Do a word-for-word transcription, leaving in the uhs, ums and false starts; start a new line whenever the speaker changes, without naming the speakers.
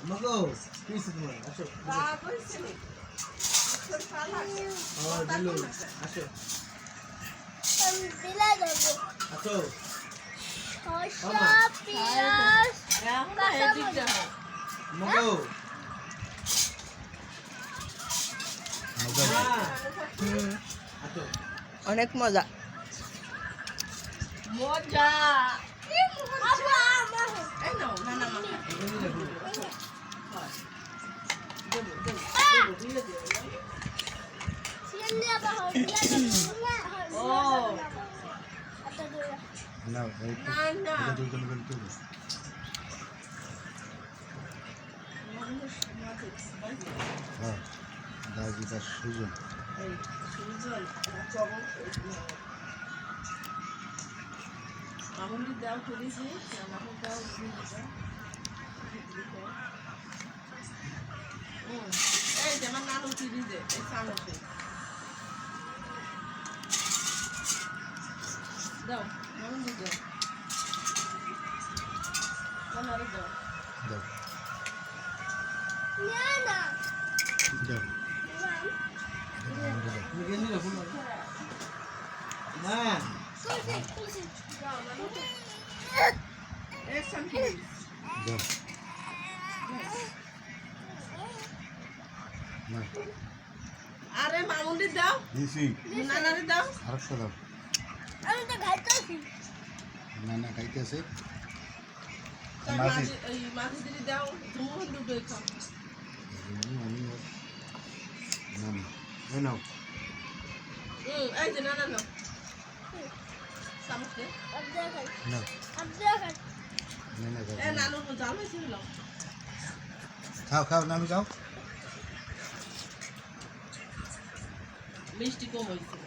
মগো পিছে তোমার আসো
বাবা কইছে নি তোর শালা
ও দিলু আসো
আমি দিলা দেব
আসো
শসা পেঁয়াজ
এখন এদিক দেখো
মগো
মজা
হুম আসো
অনেক মজা
মজা
আব্বা আমার
এই নাও না না মা
সিলে আবা হইয়া
ও
আটা দে
না এই
না না
দুই জন মিলে তুই হ্যাঁ দাজিটা সুজন
এই সুজন চবল মামুনি দাও করেছি মামুনি দাও এই যে আমার নানু ফিরিজে এই সামনে দাও মামুনি দাও নানারে দাও
দাও
না না
দাও
তুমি গেলি না ফোন না
কুলসি কুলসি
দাও নানু এই সামনে
দাও না
আরে মামুনি দাও
দিছি
নানারে দাও
আরেকটা দাও
আমি তো খাইতেছি
না না খাইতেছে
তাই
মাঝি
মাঝি এই মাঝি দিদি দাও তুমি দুটো খাও
আমি না না এই নাও
হুম এই যে নানা নাও সামনে
আব্দা খাই
না
আব্দা খাই
না না
এ নানু জাল হয়েছে হলো
খাও খাও নামি খাও
মিষ্টি কম হয়েছে